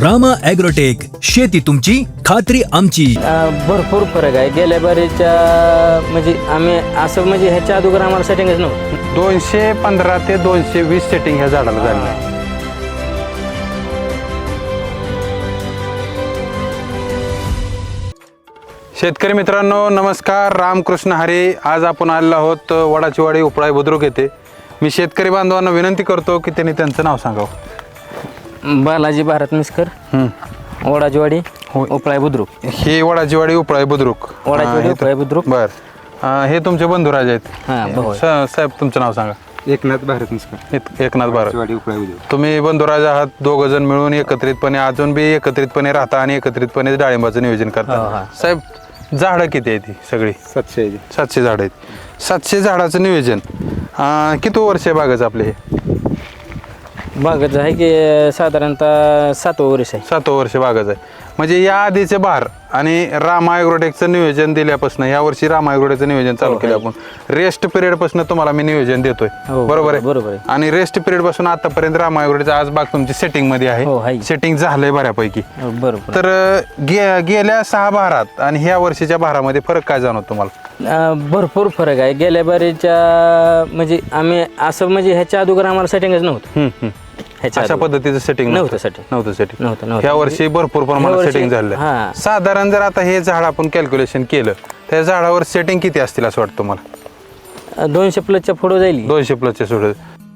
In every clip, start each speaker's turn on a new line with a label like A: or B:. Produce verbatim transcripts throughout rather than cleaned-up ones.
A: Rama agrotech, शेती तुमची खात्री आमची.
B: भरपूर फरक आहे. गेल्या बारीच्या म्हणजे आम्ही असं म्हणजे ह्याच्या अगोदर आम्हाला सेटिंगच नव्हतं.
C: दोनशे पंधरा ते दोनशे वीस सेटिंग ह्या झाडाला झाली आहे. शेतकरी मित्रांनो नमस्कार, रामकृष्ण हरी. आज आपण आलेलो आहोत वडाचीवाडी उपळाई बुद्रुक येथे. मी शेतकरी बांधवांना विनंती करतो की त्यांनी त्यांचं नाव सांगावं.
B: बालाजी भारत मिस्कर, वडाचीवाडी उपळाई बुद्रुक.
C: हे वडाचीवाडी उपळाई बुद्रुक.
B: वडाचीवाडी उपळाई बुद्रुक.
C: बर, हे तुमचे बंधुराज आहेत.
B: हां, भाऊ.
C: स- साहेब तुमचं नाव सांगा.
D: एकनाथ भारत मिस्कर,
C: एक- एकनाथ भारत.
D: वाडी उपळाई बुद्रुक.
C: तुम्ही बंधुराज आहात, दोघ जण मिळून एकत्रितपणे अजून बी एकत्रितपणे राहता आणि एकत्रितपणे डाळिंबाचं नियोजन
B: हो,
C: करता.
B: हा.
C: साहेब झाडं किती आहेत ही सगळी?
D: सातशे
C: सातशे झाडं आहेत. सातशे झाडाचं नियोजन अं, किती वर्ष आहे बागाचं आपले हे?
B: बागच आहे की साधारणतः सातवं वर्ष आहे.
C: सातवं वर्ष बागाचं आहे. म्हणजे या आधीचे बहार आणि रामा ॲग्रोटेकचं नियोजन दिल्यापासून या वर्षी रामा ॲग्रोटेकचं नियोजन चालू
B: हो,
C: केलं
B: आहे.
C: आपण. रेस्ट पिरियड पासून तुम्हाला मी नियोजन देतोय,
B: हो,
C: बरोबर आहे?
B: बरोबर आहे.
C: आणि रेस्ट पिरियड पासून आतापर्यंत रामा ॲग्रोटेकचं आज बाग तुमची सेटिंग मध्ये
B: हो,
C: आहे.
B: आहे.
C: सेटिंग झालंय बऱ्यापैकी.
B: हो, बरोबर.
C: तर अं, गे गेल्या सहा बहारात आणि ह्या वर्षीच्या बहारामध्ये फरक काय जाणवतो तुम्हाला?
B: अं, भरपूर फरक आहे. गेल्या बारीच्या म्हणजे आम्ही असं म्हणजे ह्याच्या अगोदर आम्हाला सेटिंगच नव्हतं.
C: हम्म, हम्म.
B: ह्याच्या
C: अशा
B: अगोदर.
C: पद्धतीचं सेटिंग
B: नव्हतं setting.
C: नव्हतं सेटिंग
B: नव्हतं, नव्हतं.
C: ह्या वर्षी भरपूर
B: ह्या
C: प्रमाणात
B: वर्षी-
C: सेटिंग झालं.
B: हां.
C: साधारण जर आता हे झाड आपण कॅल्क्युलेशन केलं त्या झाडावर सेटिंग किती असतील असं वाटतं तुम्हाला?
B: दोनशे प्लसच्या पुढं जाईल.
C: दोनशे प्लसचे सोड.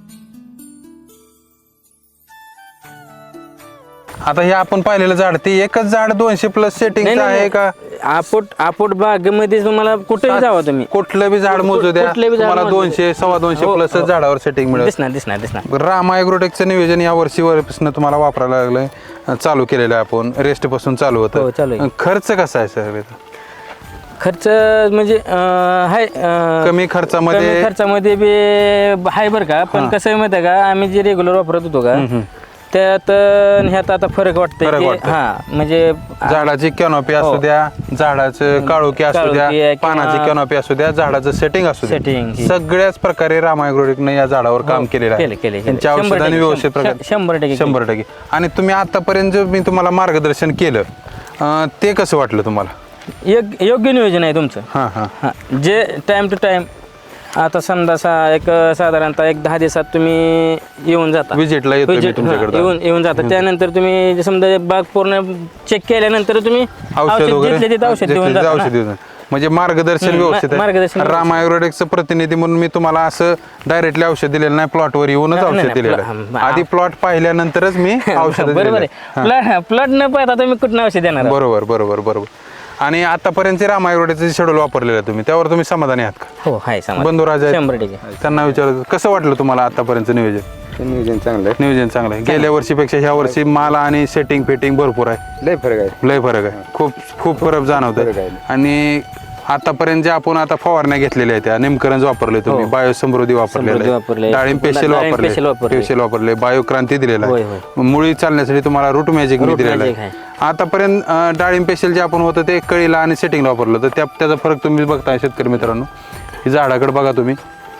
C: आता हे आपण पाहिलेलं झाड ते एकच झाड दोनशे प्लस सेटिंग
B: नाही, नाही,
C: आहे का?
B: आपोट आपोट बागेमध्ये तुम्हाला कुठेही जावा तुम्ही,
C: कुठलं बी झाड मोजू द्या,
B: कुठलं बी झाड
C: तुम्हाला
B: मोजू द्या.
C: दोनशे सव्वा दोनशे
B: हो,
C: प्लस
B: हो.
C: झाडावर सेटिंग मिळेल.
B: दिसणार दिसणार दिसणार.
C: रामा ॲग्रोटेकचं नियोजन या वर्षी वरपासून तुम्हाला वापरायला लागलंय, चालू केलेलं आहे आपण. रेस्ट पासून चालू
B: हो,
C: होतं.
B: चालू आहे.
C: खर्च कसा आहे सर?
B: खर्च म्हणजे अं, हाय अं,
C: कमी खर्चामध्ये-
B: कमी खर्चामध्ये बी हाय बरं का. पण कसं आहे माहिती आहे का, आम्ही जे रेग्युलर वापरत होतो का त्यात अं, ह्यात आता फरक वाटतंय
C: फरक
B: की
C: वाटतंय.
B: हा म्हणजे
C: झाडाची कॅनॉपी असू
B: हो.
C: द्या, झाडाचं काळोखी असू
B: काळोखी
C: द्या,
B: आहे किंवा-
C: पानाची कॅनॉपी असू द्या, झाडाचं सेटिंग असू
B: Setting
C: द्या,
B: ही.
C: सगळ्याच प्रकारे रामा ॲग्रोटेकने या झाडावर काम केलेलं
B: केलं, केलं,
C: आहे.
B: केलं.
C: त्यांच्या
B: शंभर
C: औषधाने
B: टक्के,
C: व्यवस्थित
B: शं-
C: प्रकारे
B: शंभर टक्के
C: शंभर टक्के. आणि तुम्ही आतापर्यंत जे मी तुम्हाला मार्गदर्शन केलं अं, ते कसं वाटलं तुम्हाला?
B: योग- योग्य नियोजन आहे तुमचं.
C: हां हां
B: हा जे टाइम टू टाइम आता समजा सा एक साधारणतः एक दहा दिवसात तुम्ही येऊन जाता.
C: विजिटला येतो मी
B: Visit,
C: तुमच्याकडे.
B: हा, येऊन येऊन जाता. त्यानंतर तुम्ही समजा बाग पूर्ण चेक केल्यानंतर तुम्ही
C: औषध वगैरे
B: जिथले तिथं औषध देऊन
C: जिथले तिथं
B: जाता
C: औषध
B: ना.
C: देऊन. म्हणजे मार्गदर्शन
B: हम्म,
C: व्यवस्थित
B: मा- मार्गदर्शन
C: आहे. रामा ॲग्रोटेकचं प्रतिनिधी म्हणून मी तुम्हाला असं डायरेक्टली औषध दिलेलं नाही, प्लॉटवर येऊनच
B: नाही,
C: औषध
B: नाही,
C: दिलेलं
B: प्लॉ-
C: आहे.
B: हा,
C: आधी प्लॉट पाहिल्यानंतरच मी औषध
B: बरोबर आहे. प्लॉट प्लॉट न पाहता तुम्ही कुठं औषध देणार आहात?
C: बरोबर बरोबर बरोबर. आणि आतापर्यंत रामा ॲग्रोटेकचं शेड्यूल वापरलेलं आहे तुम्ही, त्यावर तुम्ही समाधानी आहात का?
B: हो हाय समाज.
C: बंधुराज आहेत.
B: शंभर टक्के.
C: त्यांना विचारलं कसं वाटलं तुम्हाला आतापर्यंत नियोजन?
D: ते नियोजन चांगलं आहे.
C: नियोजन चांगलं आहे. गेल्या वर्षीपेक्षा ह्या वर्षी माल आणि सेटिंग फिटिंग भरपूर आहे.
D: लय फरक आहे.
C: लय फरक आहे. खूप खूप फरक जाणवत
D: फरक आहे.
C: आणि आतापर्यंत जे आपण आता फवारण्या घेतलेल्या आहेत त्या निमकरंज वापरले तुम्ही,
B: हो.
C: बायो समृद्धी
B: समृद्धी
C: वापरलेले,
B: वापरले.
C: डाळिंब पेशल
B: डाळिंब
C: वापरले,
B: पेशल वापरले.
C: पेशल वापरले, बायो क्रांती दिलेला
B: होय,
C: आहे, मुळी चालण्यासाठी तुम्हाला रूट मॅजिक मी
B: रूट
C: दिलेला
B: मॅजिक
C: आहे. आतापर्यंत अं, डाळिंब पेशल जे आपण होतं ते कळीला आणि सेटिंगला वापरलं तर त्या त्याचा फरक तुम्ही बघताय शेतकरी मित्रांनो. ही झाडाकडे बघा तुम्ही,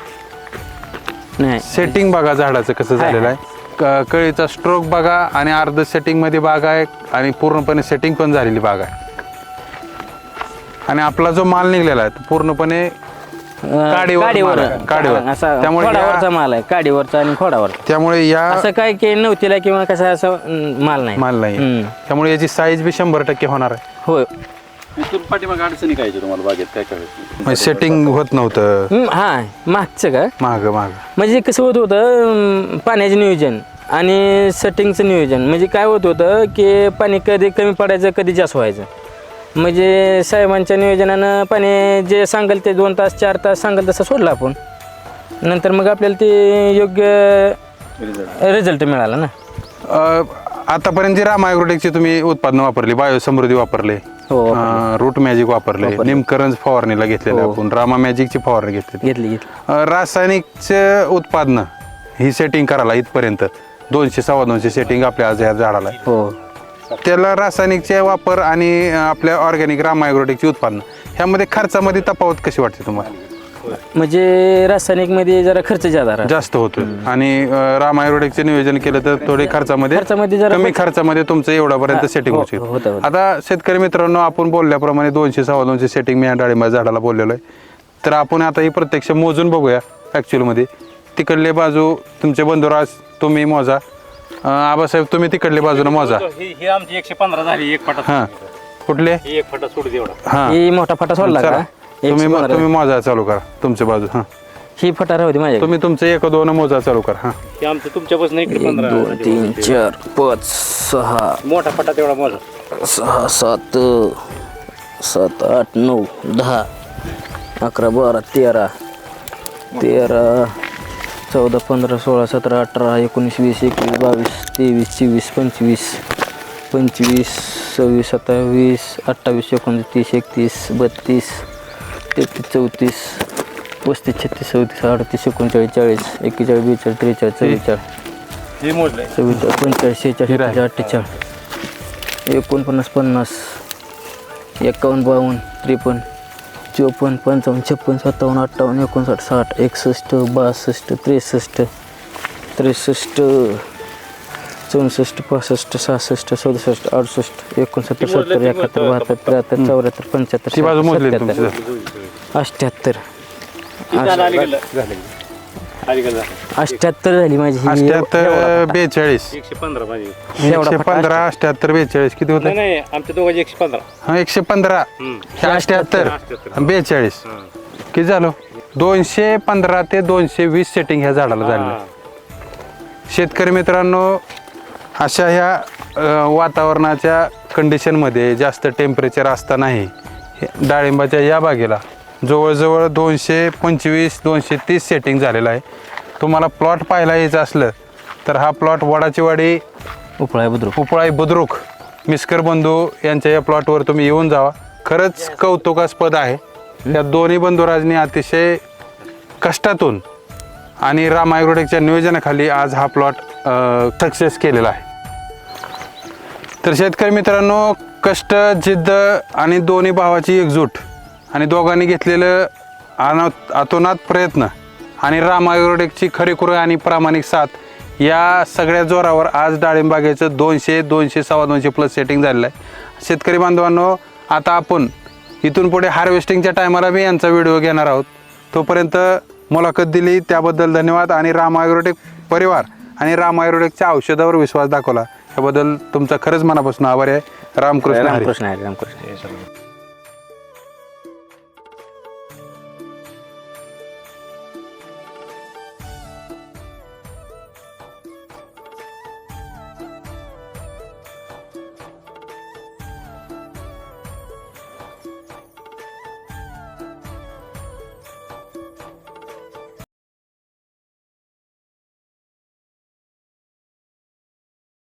B: नाही
C: सेटिंग बघा झाडाचं कसं
B: हाय,
C: झालेलं आहे. क- कळीचा स्ट्रोक बघा आणि अर्ध सेटिंग मध्ये बाग आहे आणि पूर्णपणे सेटिंग पण झालेली बाग आहे. आणि आपला जो माल निघलेला आहे तो पूर्णपणे काडीवर
B: काडीवर
C: माल आहे, काडीवर.
B: असा
C: त्यामुळे
B: खोडावरचा
C: या-
B: माल आहे. काडीवरचा आणि खोडावरचा.
C: त्यामुळे या
B: असं काय की नव्हतीला किंवा कसं असं अं, माल नाही.
C: माल नाही
B: हम्म.
C: त्यामुळे याची साईज बी शंभर टक्के होणार आहे.
B: होय.
E: इथून पाठीमाग अडचणी काय आहेत तुम्हाला बागेत काय काय
C: म्हणजे सेटिंग होत नव्हतं
B: हम्म, हा मागचं का
C: माग माग
B: म्हणजे कसं होत होतं अं, पाण्याचं नियोजन आणि सेटिंगचं नियोजन. म्हणजे काय होत होतं की पाणी कधी कमी पडायचं कधी जास्त व्हायचं. म्हणजे साहेबांच्या नियोजनानं पाणी जे सांगेल ते दोन तास चार तास सांगेल तसं सोडलं आपण. नंतर मग आपल्याला ते योग्य रिझल्ट मिळाला ना.
C: अं, आतापर्यंत जी रामा ॲग्रोटेकची तुम्ही उत्पादनं वापरली, बायो समृद्धी वापरले,
B: हो,
C: रूट मॅजिक वापरले, निमकरंज फवारणीला घेतलेले
B: हो.
C: आपण, रामा मॅजिकची फवारणी घेतली.
B: घेतली घेतली.
C: अं, रासायनिकचे उत्पादनं ही सेटिंग करायला इथपर्यंत दोनशे सव्वा दोनशे सेटिंग आपल्या आज या झाडाला आहे.
B: हो
C: त्याला रासायनिकचे वापर आणि अं, आपल्या ऑर्गॅनिक रामा ॲग्रोटेकची उत्पादनं ह्यामध्ये खर्चामध्ये तफावत कशी वाटते तुम्हाला?
B: म्हणजे रासायनिकमध्ये जरा खर्च जादा राहतो.
C: जास्त होतो आणि अं, राम आयुर्वेदिकचे नियोजन केलं तर थोडे खर्चामध्ये
B: खर्चामध्ये जरा
C: कमी खर्चामध्ये तुमचं एवढ्यापर्यंत सेटिंग
B: हो,
C: होऊ
B: हो, होतं,
C: शकतं.
B: होतं.
C: आता शेतकरी मित्रांनो, आपण बोलल्याप्रमाणे दोनशे सव्वा दोनशे सेटिंग मी या डाळिंबाच्या झाडाला बोललेलो आहे. तर आपण आता ही प्रत्यक्ष मोजून बघूया ॲक्च्युअलमध्ये. तिकडले बाजू तुमचे बंधुराज तुम्ही मोजा, अं, आबासाहेब तुम्ही तिकडले बाजूने मोजा.
E: ही ही आमची एकशे पंधरा झाली एक फटा.
C: हां कुठले
E: ही एक फटा सोड एवढा.
C: हां
B: ही मोठा फटा सोडला का
C: चला. तुम्ही
B: एकशे पंधरा.
C: तुम्ही मोजा चालू करा तुमच्या बाजू. हां
B: ही फटा राहू दे माझ्या.
C: तुम्ही तुमचं एक दोन मोजा चालू करा. हां
E: ही आमचं तुमच्यापासून इकडे
B: एक
E: पंधरा.
B: दोन तीन चार पाच सहा
E: मोठा फटा तेवढा मोजा.
B: सहा सात सात आठ नऊ दहा अकरा बारा तेरा तेरा चौदा पंधरा सोळा सतरा अठरा एकोणीस वीस एकवीस बावीस तेवीस चोवीस पंचवीस पंचवीस सव्वीस सत्तावीस अठ्ठावीस एकोणतीस तीस एकतीस बत्तीस तेहतीस चौतीस पस्तीस छत्तीस चौतीस अडतीस एकोणचाळीस चाळीस एक्केचाळीस बेचाळीस त्रेचाळीस चव्वेचाळीस
E: हे मोजलंय.
B: चव्वेचाळीस पंचेचाळीस शेहेचाळीस सत्तेचाळीस अठ्ठेचाळीस एकोणपन्नास पन्नास एकावन्न बावन्न त्रेपन्न चोपन्न पंचावन्न छप्पन्न सत्तावन्न अठ्ठावन्न एकोणसाठ साठ एकसष्ट बासष्ट त्रेसष्ट त्रेसष्ट चौसष्ट पासष्ट सहासष्ट सदुसष्ट अडुसष्ट एकोणसत्तर सत्तर एकाहत्तर बहात्तर त्र्याहत्तर चौऱ्याहत्तर पंच्याहत्तर
C: ती बाजू मोजली
B: सत्त्याहत्तर,
C: तुमची.
B: अठ्ठ्याहत्तर
E: किती झालं अलीकडलं? अलीकडलं झालं.
B: अठ्ठ्याहत्तर झाली माझी ही.
C: अठ्ठ्याहत्तर बेचाळीस
E: एकशे पंधरा माझी.
B: एवढा
C: एकशे
B: फटा
C: पंधरा अठ्ठ्याहत्तर बेचाळीस किती
E: नाही
C: होतं?
E: नाही आमच्या दोघांची एकशे पंधरा.
C: हा एकशे पंधरा हे अठ्ठ्याहत्तर आणि बेचाळीस किती झालं? दोनशे पंधरा ते दोनशे वीस सेटिंग ह्या झाडाला झालेलं. शेतकरी मित्रांनो, अशा ह्या अ, वातावरणाच्या कंडिशनमध्ये जास्त टेम्परेचर असतानाही हे डाळिंबाच्या या बागेला जवळजवळ दोनशे पंचवीस दोनशे तीस सेटिंग झालेलं आहे. तुम्हाला प्लॉट पाहायला यायचं असलं तर हा प्लॉट वडाची वाडी
B: उपळा बुद्रुक
C: उपळाई बुद्रुक मिस्कर बंधू यांच्या या प्लॉटवर तुम्ही येऊन जावा. खरंच कौतुकास्पद आहे. या दोन्ही बंधुराजनी अतिशय कष्टातून आणि राम आयुर्वेदिकच्या नियोजनाखाली आज हा प्लॉट सक्सेस केलेला आहे. तर शेतकरी मित्रांनो, कष्ट जिद्द आणि दोन्ही भावाची एकजूट आणि दोघांनी घेतलेलं अनाथ अतोनात प्रयत्न आणि राम आयुर्वेदिकची खरीखुरी आणि प्रामाणिक साथ या सगळ्या जोरावर आज डाळिंबागेचं दोनशे दोनशे सव्वा दोनशे प्लस सेटिंग झालेलं आहे. शेतकरी बांधवांनो, आता आपण इथून पुढे हार्वेस्टिंगच्या टायमाला बी यांचा व्हिडिओ घेणार आहोत. तोपर्यंत मुलाखत दिली त्याबद्दल धन्यवाद आणि राम आयुर्वेदिक परिवार आणि राम आयुर्वेदिकच्या औषधावर विश्वास दाखवला याबद्दल तुमचा खरंच मनापासून आभार आहे. रामकृष्ण हरी.
B: रामकृष्ण हरी, रामकृष्ण हरी.